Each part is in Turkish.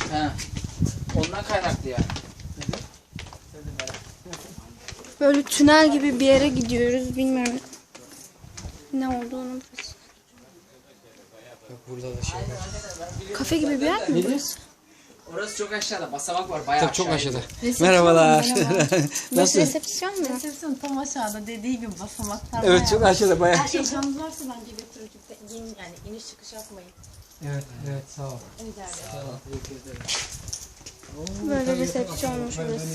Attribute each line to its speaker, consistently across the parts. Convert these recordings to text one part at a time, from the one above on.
Speaker 1: He. Ondan kaynaklı yani.
Speaker 2: Böyle tünel gibi bir yere gidiyoruz. Bilmiyorum ne olduğunu burası.
Speaker 3: Bak burada da şey var.
Speaker 2: Kafe gibi bir yer mi burası?
Speaker 1: Orası çok aşağıda. Basamak var bayağı
Speaker 3: Tabii çok aşağıda.
Speaker 4: Resepsiyon
Speaker 3: Merhabalar.
Speaker 2: Burası resepsiyon mu?
Speaker 4: Resepsiyon tam aşağıda dediği gibi basamaklar.
Speaker 3: Evet çok aşağıda bayağı.
Speaker 4: Eşyanız varsa bence götürün. Yani iniş çıkış yapmayın.
Speaker 3: Evet evet sağ ol.
Speaker 4: Sağ ol.
Speaker 2: Böyle resepsiyonmuş burası.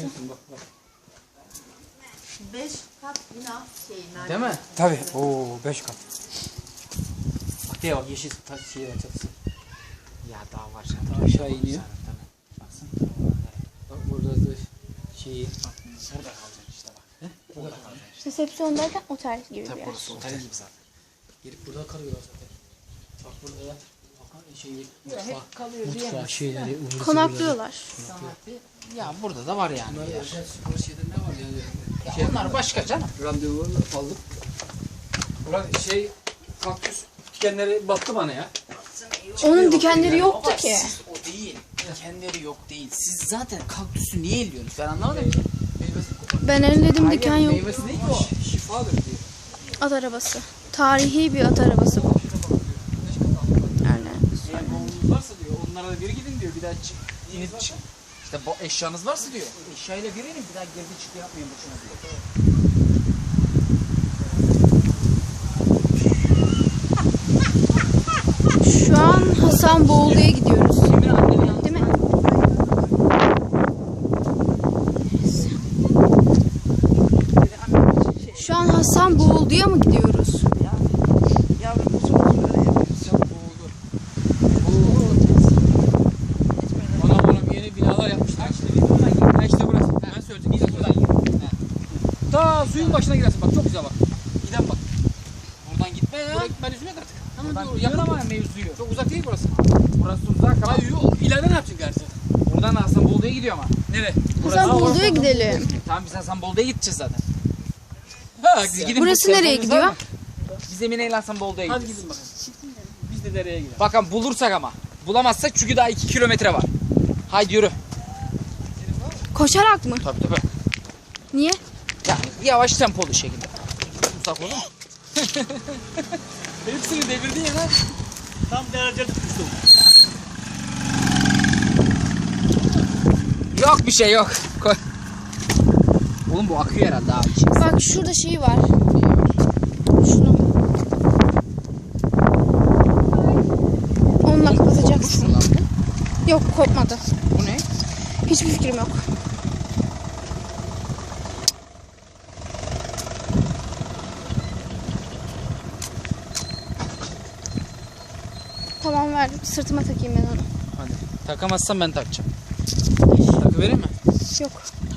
Speaker 4: 5 kat bina şeyin.
Speaker 1: Değil mi?
Speaker 3: Tabii. Oo 5 kat. Bak diye bak yeşil şey var çatısı.
Speaker 1: Ya daha var.
Speaker 3: Daha aşağı iniyor.
Speaker 1: Tabii. Baksana.
Speaker 3: Bak burada da şeyi.
Speaker 1: Burada kalacaksın işte bak. Burada kalacaksın.
Speaker 2: Resepsiyon derken otel gibi bir
Speaker 1: Tabii
Speaker 2: yer.
Speaker 1: burası otel gibi zaten.
Speaker 3: Gelip burada kalıyorlar zaten. Bak burada da şeyi
Speaker 4: Hep kalıyor
Speaker 3: mutfağı şeyleri ıvır
Speaker 2: Konaklıyorlar.
Speaker 1: Ya burada da var yani.
Speaker 3: Bunlar özel spor şeyde ne var yani?
Speaker 1: Ya onlar başka canım.
Speaker 3: Randevu aldık. Ulan şey kaktüs dikenleri battı bana ya.
Speaker 2: Onun dikenleri yoktu
Speaker 1: Baba,
Speaker 2: ki.
Speaker 1: siz o değil. Dikenleri yok değil. Siz zaten kaktüsü niye elliyorsunuz? Ben anlamadım ki.
Speaker 2: Ben elledim diken yok.
Speaker 1: Meyvesi değil ki o.
Speaker 3: Şifadır diye.
Speaker 2: At arabası. Tarihi bir at arabası bu. Yani
Speaker 1: Eğer bavulunuz varsa diyor onlara da bir gidin diyor. Bir daha inip çık. İşte bu eşyanız varsa diyor. Eşyayla bir inin bir daha girdi çıktı yapmayın boşuna diyor.
Speaker 2: şu an Hasanboğlu'ya gidiyoruz. Değil mi? Şu an Hasanboğlu'ya mı gidiyoruz?
Speaker 3: Anam yeni binalar yapmışlar. Ha işte burası. Ben söyledim. Gidin buradan gidin. Ta suyun başına girersin bak çok güzel bak. Giden bak.
Speaker 1: Buradan gitme ya.
Speaker 3: Buraya gitmen üzüm yok artık.
Speaker 1: Buradan yakın ama mevzuyu.
Speaker 3: Çok uzak değil burası.
Speaker 1: Burası uzak ama.
Speaker 3: Hayır ileride ne yapacaksın gerçi?
Speaker 1: Buradan Hasanboldu'ya gidiyor ama.
Speaker 3: Nereye?
Speaker 2: Hasanboğlu'ya gidelim.
Speaker 1: Tamam biz Hasanboldu'ya gideceğiz zaten.
Speaker 3: Ha,
Speaker 1: Siz gidin.
Speaker 2: Burası
Speaker 1: bu
Speaker 2: nereye
Speaker 1: telefonunuz
Speaker 2: gidiyor?
Speaker 1: var mı? Biz Emine ile Hasanboldu'ya
Speaker 3: Hadi
Speaker 1: gideceğiz.
Speaker 3: gidin bakalım. Biz de dereye gidelim.
Speaker 1: Bakalım bulursak ama. Bulamazsak çünkü daha 2 kilometre var. Haydi yürü.
Speaker 2: Koşarak mı?
Speaker 1: Tabii tabii.
Speaker 2: Niye?
Speaker 1: Yani yavaş tempolu şekilde. Uzak olur mu?
Speaker 3: Hepsini devirdin ya lan. Tam derece tutmuştum.
Speaker 1: Yok bir şey yok. Koy. Oğlum bu akıyor herhalde abi.
Speaker 2: Bak şurada şey var. Şunu. Onunla kapatacaksın. Yok kopmadı.
Speaker 1: Bu ne?
Speaker 2: Hiçbir fikrim yok. Tamam ver. Sırtıma takayım ben onu.
Speaker 1: Hadi. Takamazsam ben takacağım. Takı vereyim mi?
Speaker 2: Yok.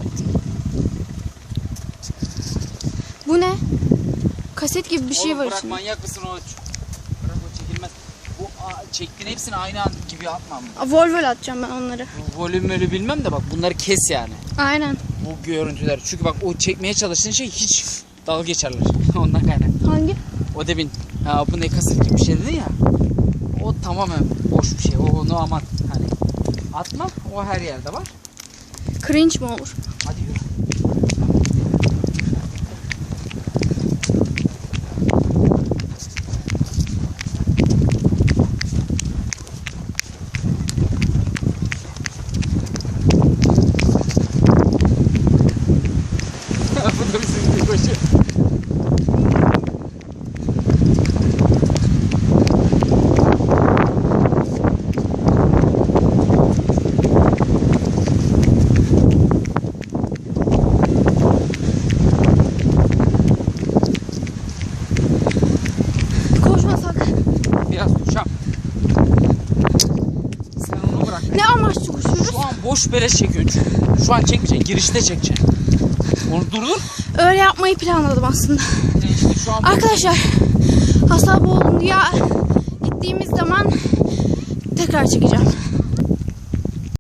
Speaker 2: Bu ne? Kaset gibi bir şey
Speaker 1: Oğlum
Speaker 2: var
Speaker 1: bırak
Speaker 2: içinde.
Speaker 1: manyak mısın o? Bırak o çekilmez. Bu çektiğin hepsini aynı an gibi atmam.
Speaker 2: Vol atacağım ben onları.
Speaker 1: Bu volümleri bilmem de bak bunları kes yani.
Speaker 2: Aynen.
Speaker 1: Bu görüntüler. Çünkü bak o çekmeye çalıştığın şey hiç dalga geçerler. Ondan kaynaklı.
Speaker 2: Hangi?
Speaker 1: O demin ha bu ne kaset gibi bir şey dedin ya. O tamamen boş bir şey. Onu aman hani atma. O her yerde var.
Speaker 2: Cringe mi olur?
Speaker 1: Hadi yürü. Bu da bizim bir koşu.
Speaker 2: Koşmasak.
Speaker 1: Biraz uçam. Sen onu bırak.
Speaker 2: Ne amaçlı koşuyoruz?
Speaker 1: Şu an boş beleş çekiyorsun çünkü. Şu an çekmeyeceksin. Girişte çekeceksin. Onu durdur.
Speaker 2: Öyle yapmayı planladım aslında.
Speaker 1: İşte şu an
Speaker 2: Arkadaşlar Hasanboğlu'ya gittiğimiz zaman tekrar çekeceğim.